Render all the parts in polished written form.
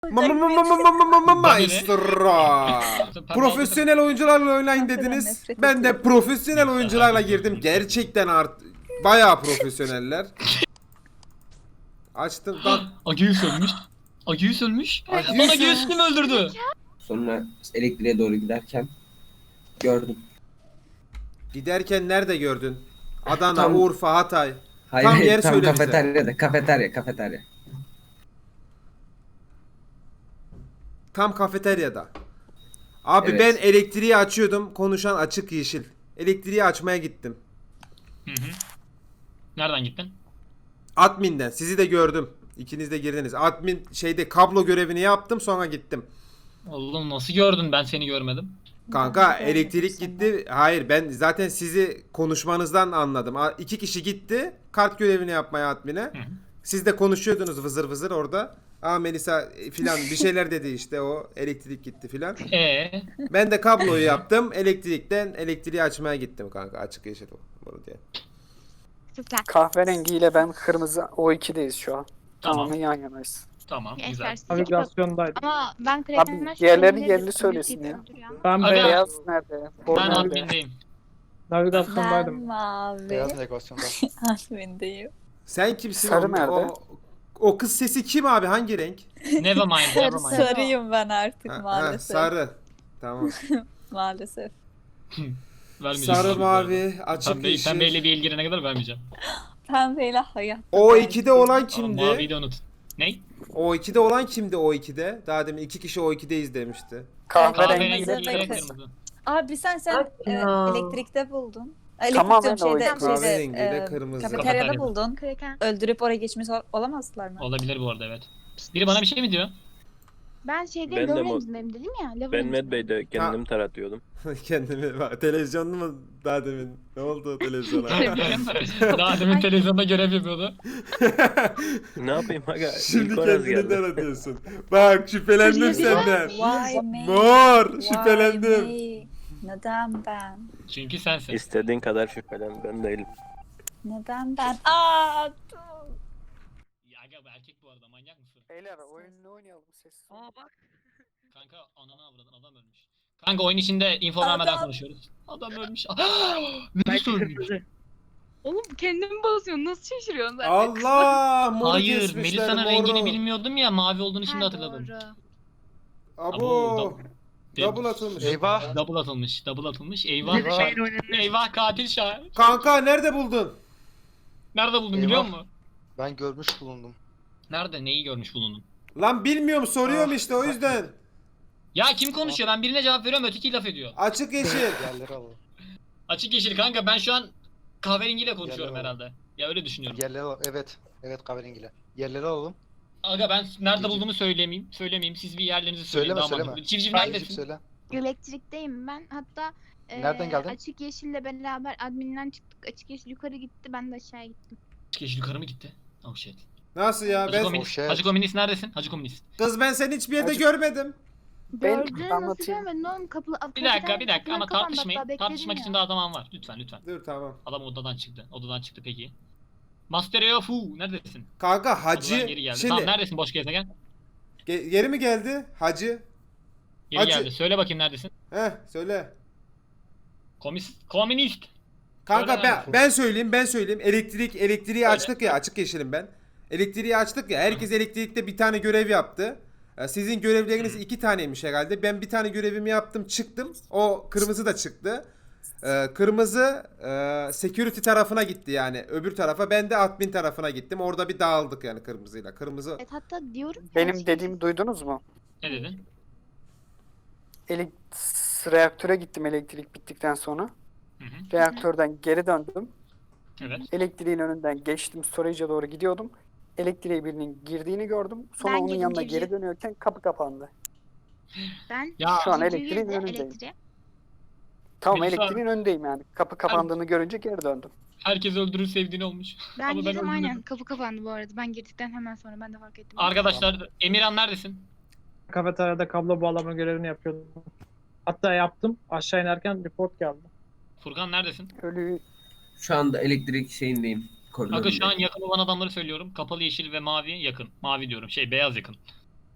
Maestro. Profesyonel oyuncularla oynayın dediniz. Ben de profesyonel oyuncularla girdim. Gerçekten bayağı profesyoneller. Açtım. Agius ölmüş. Agius ölmüş. Agius Lan ha. Agius kim öldürdü? Sonra elektriğe doğru giderken gördüm. Giderken nerede gördün? Adana, Tam- Urfa, Hatay. Hayır, Tam hayır, yer tam söyle bize. kafeterya. Tam kafeteryada. Abi Evet. ben elektriği açıyordum. Konuşan açık yeşil. Elektriği açmaya gittim. Hı hı. Nereden gittin? Admin'den. Sizi de gördüm. İkiniz de girdiniz. Admin şeyde kablo görevini yaptım, sonra gittim. Oğlum nasıl gördün, ben seni görmedim. Kanka elektrik gitti. Hayır, ben zaten sizi konuşmanızdan anladım. 2 kişi gitti kart görevini yapmaya admine. Hı hı. Siz de konuşuyordunuz vızır vızır orada. Melisa filan bir şeyler dedi işte, o elektrik gitti filan. Ben de kabloyu yaptım. Elektriği açmaya gittim kanka. Açık yeşil o diye. Süper. Kahverengiyle ben kırmızı O2'deyiz şu an. Tamam. Tamamen yan yanayız. Tamam, güzel. Yaşarsın. Navigasyondaydım. Ama ben Abi Kraken'den diğerleri şüphelenirim. yerini söylesin ya. Ben Aga. Beyaz nerede? Mor Ben nerede? admindeyim. navigasyondaydım. Ben mavi. Beyaz navigasyonda. Admindeyim. Sen kimsin? Sarı nerede? O kız sesi kim abi? Hangi renk? Nevermind, nevermind. Sarıyım ben artık Ha, maalesef. sarı. Tamam. Maalesef. Vermeyeceğim. Sarı, mavi, açık Pembe, yeşil. pembeyle bir ilgilene kadar vermeyeceğim. Pembeyle hayatta. O 2'de olan Ama kimdi? maviyi de unut. Ne? O 2'de olan kimdi o 2'de? Daha demin 2 kişi o 2'deyiz demişti. Kahverengiyle Kahverengi. Kahverengi kırmızı. kırmızı. Abi sen elektrikte buldun. Tamamen Elektrik diyorum, oydu. Kahverengiyle kırmızı. Kafeteryada Kafeterya. buldun. Kraken. Öldürüp oraya geçmiş olamazlar mı? Olabilir bu arada, evet. Biri bana bir şey mi diyor? Ben şeyde Ben de Lorenzo'dayım dedim ya. Ben Lorenzo'dayım. Medbay'de kendim taratıyordum. Kendimi televizyonda mı daha demin? Ne oldu televizyona? Daha demin televizyonda görev yapıyordu. Ne yapayım aga? Şimdi İlk Oraz kendini geldi. taratıyorsun. Bak şüphelendim senden. Why me? Mor Why şüphelendim. me? Neden ben? Çünkü sensin. İstediğin kadar şüphelen, ben değilim. Neden ben? Dur. Ya aga, bu erkek bu arada, manyak mısın? Beyler oyununu oynayalım sessiz. Kanka ananı avradın, adam ölmüş. Kanka oyun içinde info vermeden Adam. konuşuyoruz. Adam ölmüş. Virüs ölmüş. Oğlum kendimi basıyorsun. Nasıl şaşırıyorsun zaten? Allah moru Hayır, kesmişler, Melisa'nın moru. rengini bilmiyordum ya, mavi olduğunu şimdi Ha, hatırladım. doğru. Abo. Double atılmış. Eyvah. Double atılmış, double atılmış. Eyvah. Eyvah. Eyvah, katil Şahin. Kanka nerede buldun? Nerede buldun Eyvah. biliyor musun? Ben görmüş bulundum. Nerede, neyi görmüş bulundun? Lan bilmiyorum, soruyorum işte o yüzden. Ya kim konuşuyor? Ben birine cevap veriyorum, öteki laf ediyor. Açık yeşil. Yerleri alalım. Açık yeşil kanka, ben şu an kahverengiyle konuşuyorum Yalan. herhalde. Ya öyle düşünüyorum. Yerleri alalım. Evet. Evet kahverengiyle. Yerleri alalım. Aga ben nerede Civciv. bulduğumu söylemeyeyim. Siz bir yerlerinizi söyleyin. Söyleme daha söyleme. mantıklı. Civciv Civciv neredesin? söyle. Elektrikteyim ben. Hatta Nereden geldin? Açık Yeşil'le beraber adminden çıktık. Açık Yeşil yukarı gitti. Ben de aşağı gittim. Açık yeşil yukarı mı gitti? Oh shit. Nasıl ya? Hacı Ben Komünist, shit. Hacı Komünist neredesin? Hacı Komünist. kız, ben seni hiçbir yerde Açık- görmedim. Ben Gördün nasıl anlatayım. görmedin oğlum? Bir dakika ama tartışmayın. Tartışmak için daha zaman var. Lütfen. Dur tamam. Adam odadan çıktı. Odadan çıktı peki. Master Fu neredesin? Kanka Odadan Hacı geri geldi. şimdi Tamam, neredesin boş gezegen? Yeri mi geldi? Hacı. Geri Hacı. geldi. Söyle bakayım neredesin? Söyle. Komünist. Kanka Söyle ben söyleyeyim. Elektriği Söyle. açtık ya, açık yeşilim ben. Elektriği açtık ya, herkes elektrikte bir tane görev yaptı. Sizin görevleriniz 2 taneymiş herhalde. Ben bir tane görevimi yaptım, çıktım. O kırmızı da çıktı. Kırmızı security tarafına gitti, yani öbür tarafa. Ben de admin tarafına gittim. Orada bir dağıldık yani kırmızıyla. Kırmızı. Evet, hatta diyorum ki Benim Açık dediğimi duydunuz mu? Ne dedin? Reaktöre gittim elektrik bittikten sonra. Hı hı. Reaktörden geri döndüm. Evet. Elektriğin önünden geçtim. Storage'a doğru gidiyordum. Elektriğe birinin girdiğini gördüm. Sonra Ben onun girdim, yanına civciv. geri dönüyorken kapı kapandı. ben Ya Şu an civciv elektriğin girdi, önündeyim. elektriğe. Tamam, Melisa- elektriğin önündeyim yani. Kapı kapandığını görünce geri döndüm. herkes öldürür sevdiğini olmuş. Ben Ama ben girdim öldüm aynen. dedim. Kapı kapandı bu arada. Ben girdikten hemen sonra ben de fark ettim. Arkadaşlar, Emirhan neredesin? Kafeteryada kablo bağlama görevini yapıyordum. Hatta yaptım. Aşağı inerken report geldi. Furkan neredesin? Ölü Şu anda elektrik şeyindeyim. Aga şu Koridorundayım. an yakın olan adamları söylüyorum. Kapalı yeşil ve mavi yakın. Mavi diyorum. Beyaz yakın.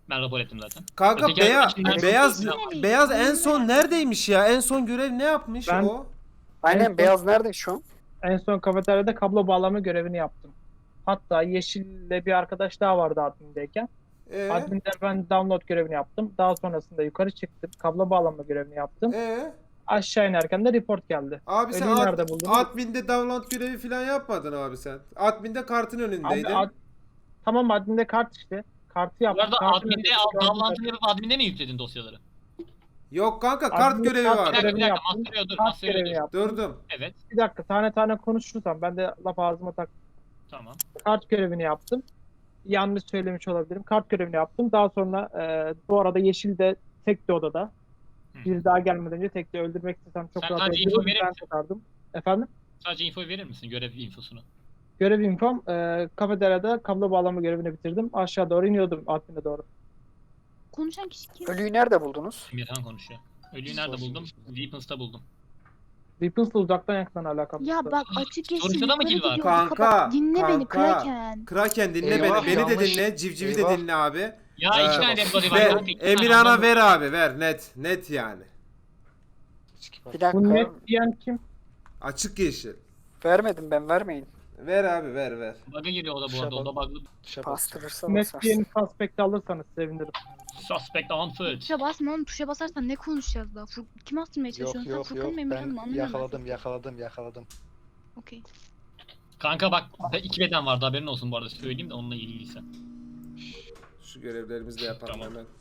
Ben rapor ettim zaten. Kanka Öteki içinden beyaz çok- beyaz en son neredeymiş ya? En son görev ne yapmış Ben- o? Aynen Evet. beyaz nerede şu an? En son kafeteryada kablo bağlama görevini yaptım. Hatta Yeşil'le bir arkadaş daha vardı admindeyken. Ee? Adminde ben download görevini yaptım. Daha sonrasında yukarı çıktım. Kablo bağlama görevini yaptım. Aşağı inerken de report geldi. Abi sen Ölüyü nerede buldun? adminde download görevi falan yapmadın abi sen. Adminde kartın önündeydin. Abi, tamam adminde kart işte. Kartı Bu yaptım. arada Kartın adminde önünde bağlantını yapıp adminde mi yükledin dosyaları? Yok kanka kart Adminde görevi kart Bir var. dakika, görevini bir dakika. yaptım. Master'ıyor dur, Kart master'ıyor görevini dur. yaptım. Durdum. Evet, Bir dakika tane tane konuşursam ben de laf ağzıma tak. tamam. Kart görevini yaptım. Yanlış söylemiş olabilirim. Kart görevini yaptım. Daha sonra bu arada Yeşil de tekti odada. Hı. Bir daha gelmeden önce tekti öldürmek istesem çok Sen rahat sadece info öldürürdüm. verir Ben misin? tutardım. Efendim? Sadece info verir misin? Görev infosunu. Görev infom kafeteryada kablo bağlama görevini bitirdim. Aşağı doğru iniyordum admine doğru. Konuşan kişi kim? Ölüyü nerede buldunuz? Emirhan konuşuyor. Ölüyü nerede buldum? Weapons'ta buldum. Weapons'la uzaktan yakından alakalı. Ya bak açık yeşil Sonuçta da mı yukarı kill var? gidiyordu. Kanka, Dinle beni kanka. Kraken. Kraken dinle Eyvah, beni. Beni de yanlış. dinle. Civcivi de Eyvah. dinle abi. Ya Ee, iki tane dead body var. Ver, kanka, iki tane Emirhan'a adam. ver abi ver net. Net yani. Bir Bu dakika. net diyen kim? Açık yeşil. Vermedim ben, vermeyin. Ver abi ver. Bug'a giriyor o da bu Tuşa arada. O da bak. bug'lı. Bastırırsa Net basarsın. diyeni suspect alırsanız sevinirim. Suspect on foot. Tuşa basma oğlum, tuşa basarsan ne konuşacağız daha? Kim astırmaya Yok çalışıyorsun? yok Sen yok. Furkan mı Emirhan mı? Ben Anlamıyorum yakaladım. Okey. Kanka bak 2 beden vardı, haberin olsun bu arada, söyleyeyim de onunla ilgiliyse. Şu görevlerimizi de yapalım Tamam. hemen.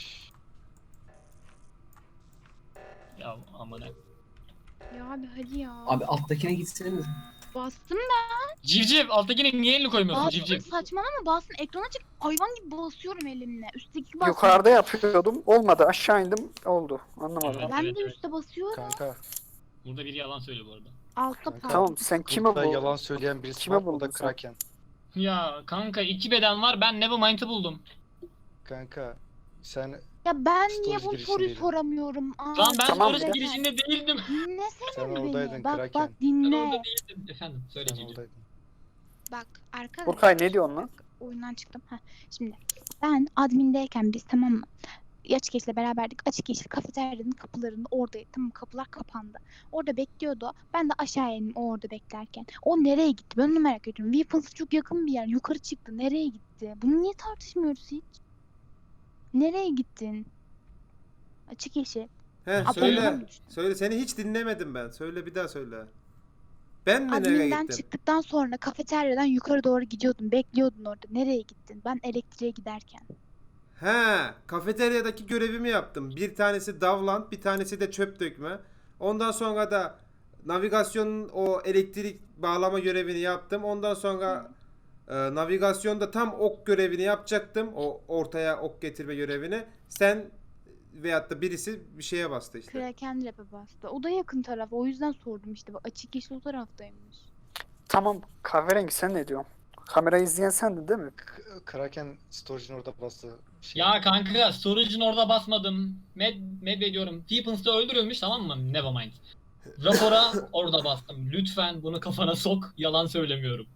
Ya aman ha. Ya abi hadi ya. Abi alttakine gitseniz. Bastım Civciv, alttakine niye elini koymuyorsun Bastım, civciv? saçmalama, bastım, ekrana çık, hayvan gibi basıyorum elimle. Üstteki basıyorum. Yukarıda yapıyordum. Olmadı. Aşağı indim. Oldu. Anlamadım. Evet. Ben de üstte basıyorum. Kanka. Burada biri yalan söylüyor bu arada. Altta Kanka. pardon. Tamam sen kime Burada bu? yalan söyleyen birisi Kime var. O buldun da sen? Kraken. Ya kanka 2 beden var, ben Nevermind'ı buldum. Kanka. Sen Ya ben niye Storage bu soruyu girişindeydin. soramıyorum? Aa, Lan ben Tamam, sonrası bir girişinde değildim. dinlesene Sen beni. oradaydın, Bak Kraken. bak Ben dinle. orada değildim. Efendim söyle sen civciv. oradaydın. Bak arkadaşlar. Burkay ne diyorsun lan? Oyundan çıktım. Heh, şimdi ben admindeyken biz, tamam mı? Açık Yeşil'le beraberdik. Açık Yeşil kafeteryanın kapılarında oradaydı. Tamam mı? Kapılar kapandı. Orada bekliyordu. Ben de aşağı indim o orada beklerken. O nereye gitti? Ben onu merak ediyorum. Weapons'a çok yakın bir yer. Yukarı çıktı. Nereye gitti? Bunu niye tartışmıyoruz hiç? Nereye gittin? Açık Yeşil. He Abi, söyle. ondan düştüm. Söyle, seni hiç dinlemedim ben. Söyle, bir daha söyle. Ben mi nereye Admin'den gittim? çıktıktan sonra kafeteryadan yukarı doğru gidiyordun. Bekliyordun orada. Nereye gittin? Ben elektriğe giderken. He, kafeteryadaki görevimi yaptım. Bir tanesi davlant, bir tanesi de çöp dökme. Ondan sonra da navigasyonun o elektrik bağlama görevini yaptım. Ondan sonra navigasyonda tam ok görevini yapacaktım. O ortaya ok getirme görevini. Sen veyahut da birisi bir şeye bastı işte. Kraken rap'e bastı. O da yakın taraf. O yüzden sordum işte. Bak, Açık Yeşil o taraftaymış. Tamam. Kahverengi sen ne diyorsun? Kamerayı izleyen sendin değil mi? Kraken storage'ın orada bastı. Şey. Ya kanka storage'ın orada basmadım. Med ediyorum. Weapons'ta öldürülmüş, tamam mı? Nevermind. Rapora orada bastım. Lütfen bunu kafana sok. Yalan söylemiyorum.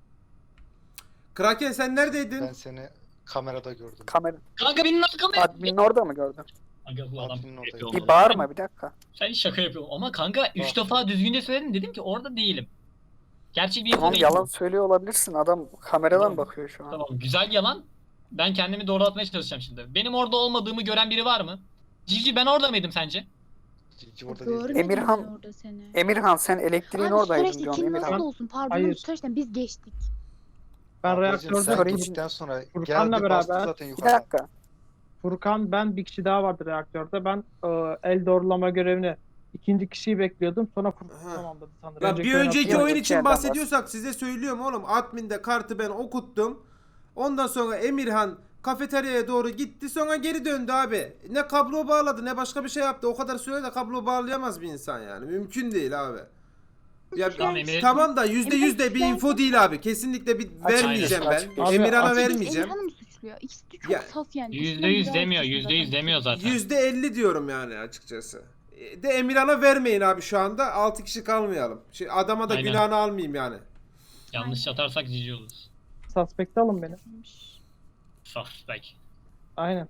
Kraken sen neredeydin? Ben seni kamerada gördüm. Kamera. Kanka benim arkamda. Admin'in orada mı gördün? Aga bu adam Admin'in oradaydı. yapıyor Bir oğlum. bağırma bir dakika. Sen şaka yapıyorsun. Ama kanka 3 Bak. defa düzgünce söyledim. Dedim ki orada değilim. Gerçek bir info Tamam değil yalan bu. söylüyor olabilirsin. Adam kameradan Tamam. bakıyor şu an. Tamam, güzel yalan. Ben kendimi doğrulatmaya çalışacağım şimdi. Benim orada olmadığımı gören biri var mı? Cici, ben orada mıydım sence? Cici orada değil. Görmedim Emirhan- ben orada seni. Emirhan sen elektriğin Abi oradaydın süreçte diyorsun kim Emirhan. nasıl olsun? Pardon, Hayır. süreçten biz geçtik. Ben Ablacığım, reaktörde sen Storage'in- gittikten sonra Furkan'la geldi bastı beraber- zaten Bir yukarıdan. dakika. Furkan, ben, bir kişi daha vardı reaktörde. Ben el doğrulama görevini ikinci kişiyi bekliyordum. Sonra Furkan Aha. tamamladı sanırım. Ya bir önceki Bir oyun önceki için yerden bahsediyorsak size söylüyorum oğlum. Admin'de kartı ben okuttum. Ondan sonra Emirhan kafeteryaya doğru gitti, sonra geri döndü abi. Ne kablo bağladı ne başka bir şey yaptı. O kadar sürede kablo bağlayamaz bir insan yani. Mümkün değil abi. Ya Tamam, Emir. tamam da %100 de bir info değil abi. Kesinlikle bir vermeyeceğim ben. Açık. Abi, Emirhan'a açık. vermeyeceğim. Emirhan'ı mı suçluyor? İkisi de çok Ya, saf yani. %100 demiyor. %100 demiyor zaten. %50 diyorum yani açıkçası. De Emirhan'a vermeyin abi şu anda. 6 kişi kalmayalım. Adama da Aynen. günahını almayayım yani. Yanlış atarsak cici oluruz. Suspect alın beni. Suspect. Aynen.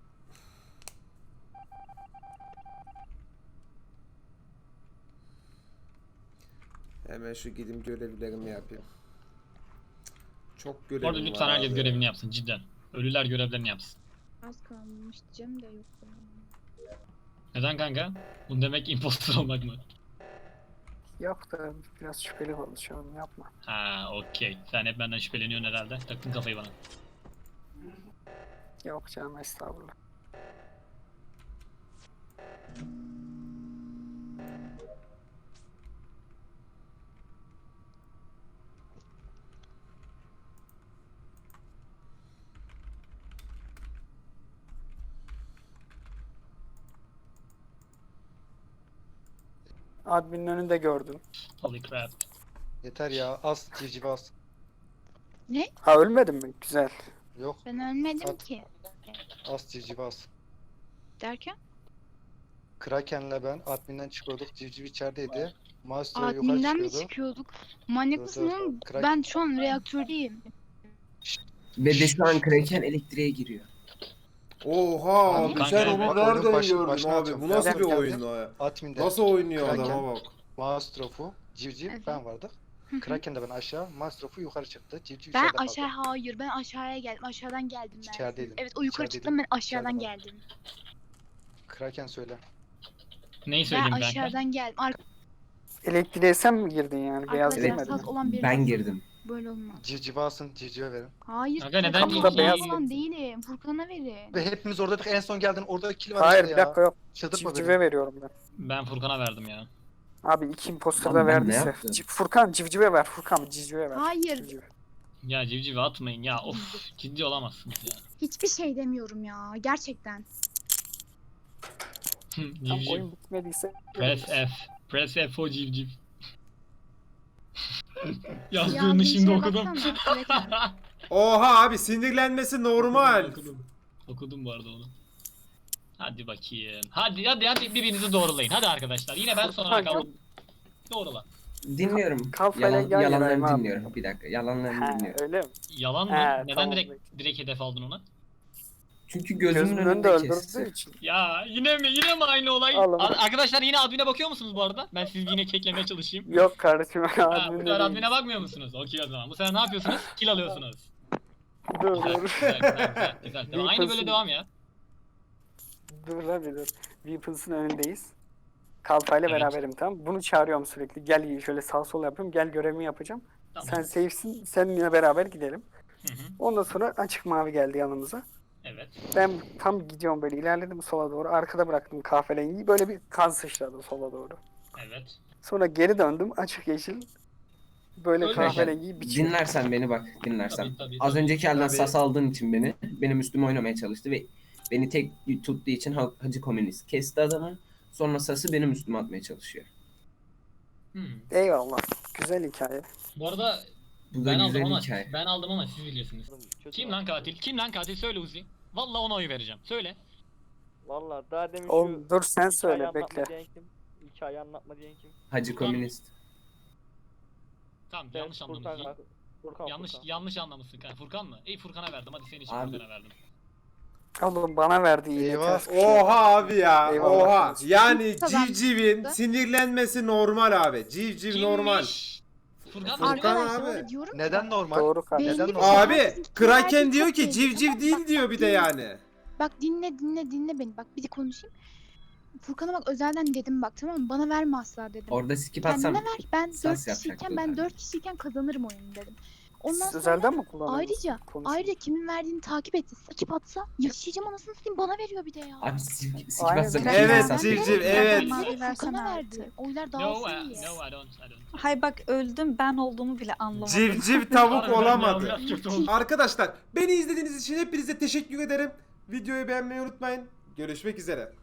Hemen şu gideyim görevlerimi yapayım. Çok Bu arada görevim lütfen var herkes abi. görevini yapsın cidden. Ölüler görevlerini yapsın. Az kalmış diyeceğim de yok. Neden kanka? Bu demek impostor olmak mı? Yok da biraz şüpheli konuşuyorum yapma. Ha okey. Sen hep benden şüpheleniyorsun herhalde. Taktın kafayı bana. Yok canım estağfurullah. Admin'in önünde gördüm. Holy crap. Yeter ya, az civciv az. Ha ölmedin mi? Güzel. Yok, Ben ölmedim At. ki. az civciv az. Derken? Kraken'le ben adminden çıkıyorduk, civciv içerideydi. Maestro yukarı Admin'den mi çıkıyordu. çıkıyorduk? Manyak Dur, mısın dur. oğlum? Krak- Ben şu an reaktördeyim. Ve de şu an Kraken elektriğe giriyor. Oha Abi abi kanka, sen onu bak, nereden oyunun gördün başına abi? atıyorum. Bu nasıl Kraken bir geldi. oyun o ya? Admin'de Nasıl oynuyor Kraken. adama bak. Maestro'fu, civciv Evet. ben vardık. Kraken de ben aşağı, Maestro'fu yukarı çıktı. Civciv Ben içeride kaldı. aşağı hayır ben aşağıya geldim. Aşağıdan geldim ben. İçerideydin. Evet o yukarı İçerideydin. çıktım ben aşağıdan İçeride geldim. Kraken söyle. Neyi Ben söyleyeyim kanka? aşağıdan geldim. Elektriğe sen mi girdin yani? Beyaz Arkadaşlar girmedin. saz olan biri Ben olsun. girdim. Böyle olmaz. Civciv alsın, civcive verin. Hayır. Kanka, neden Furkan'a Kapıda beyaz falan mı? değilim. Furkan'a verin. Ve hepimiz oradaydık, en son geldin, orada kill var Hayır işte bir dakika ya. yok. Çıldırtma beni. Civcive veriyorum ben. Ben Furkan'a verdim ya. Abi iki imposter Abi da ben ne verdiyse. yaptım? Furkan civcive ver. Furkan civcive ver. Hayır. Civcive. Ya civcivi atmayın ya. Of ciddi olamazsınız ya. Hiçbir şey demiyorum ya. Gerçekten. Tam Civciv. oyun bitmediyse. Press F. Press F o civciv. Yazdığını Yazdığın şimdi şeye okudum. baksana. Evet abi. Oha abi sinirlenmesi normal. Okudum bu arada onu. Hadi bakayım. Hadi birbirinizi doğrulayın. Hadi arkadaşlar. Yine ben sonra Furkan, kaldım. Doğrula. Dinliyorum. Kafayla yan yanayım Yalanlarını abi. dinliyorum. Bir dakika. Yalanlarını Ha, dinliyorum. öyle mi? Yalan mı? He, Neden tamam. direkt hedef aldın ona? Çünkü Gözümün gözümün önünde önünde öldürdüğü kesti. için. Ya yine mi aynı olay? Allah'ım. Arkadaşlar yine admine bakıyor musunuz bu arada? Ben sizi yine keklemeye çalışayım. Yok kardeşim. Ha, bu admin'de sefer değil. admine bakmıyor musunuz? Okey o zaman. Bu sefer ne yapıyorsunuz? Kill alıyorsunuz. Dur Güzel, dur. güzel. Devam. Aynı böyle devam ya. Dur lan bir dur. Weapons'ın önündeyiz. Kalfayla Evet. beraberim tamam. Bunu çağırıyorum sürekli. Gel şöyle sağ sol yapıyorum. Gel görevimi yapacağım. Tamam. Sen safe'sin. Seninle beraber gidelim. Hı hı. Ondan sonra açık mavi geldi yanımıza. Evet. Ben tam gidiyorum böyle ilerledim sola doğru. Arkada bıraktım kahverengiyi. Böyle bir kan sıçradı sola doğru. Evet. Sonra geri döndüm. Açık yeşil. Böyle Öyle kahverengiyi biçim. Dinlersen beni bak. Dinlersen. Tabii. Az önceki elden Tabii. sas aldığın için benim üstüme oynamaya çalıştı ve beni tek tuttuğu için Hacı Komünist kesti adamı. Sonra sası benim üstüme atmaya çalışıyor. Eyvallah. Güzel hikaye. Bu arada Bu da ben güzel aldım ama hikaye. siz biliyorsunuz. Kim lan katil? Kim lan katil? Söyle Uzi. Vallahi ona oy vereceğim. Söyle. Valla daha demin Oğlum dur sen hikayeyi söyle anlatma bekle. diyen kim? Hikayeyi anlatma diyen kim? Hacı Komünist. Tamam Ben yanlış Furkan anlamışsın. abi. Furkan. Yanlış anlamışsın kanka. Furkan mı? Furkan'a verdim. Hadi senin için Abi. Furkan'a verdim. Oğlum bana verdi yine. Eyvah. ters bir şey. Oha abi ya. Eyvallah. Oha. Yani Tamam. civcivin sinirlenmesi normal abi. Civciv normal. Kimmiş? Furkan mı? Furkan Arkadaşlar abi. diyorum Neden normal? Doğru kardeşim. Neden Belli bir normal? Abi Herkesin Kraken kimlerden diyor çok ki belli. civciv Tamam, değil bak, diyor bir de yani. Bak dinle beni. Bak bir de konuşayım. Furkan'a bak özelden dedim bak tamam mı? Bana verme asla dedim. Orada skip atsam Kendine ver. Ben sas 4 yapacaktı kişiyken ben zaten. 4 kişiyken kazanırım oyunu dedim. Ondan Siz sonra özelden mi kullanıyorsunuz? ayrıca kimin verdiğini takip etti. Skip atsa yaşayacağım anasını satayım bana veriyor bir de ya. abi skip Aynen. atsam Evet, sas civciv, yapacak. evet. Furkan'a verdi. Oylar No, dağılsın diye. no, I don't. Hay bak öldüm ben olduğumu bile anlamadım. Civciv tavuk Harbiden ya, olamadı. biraz kötü oldu. Arkadaşlar beni izlediğiniz için hepinize teşekkür ederim. Videoyu beğenmeyi unutmayın. Görüşmek üzere.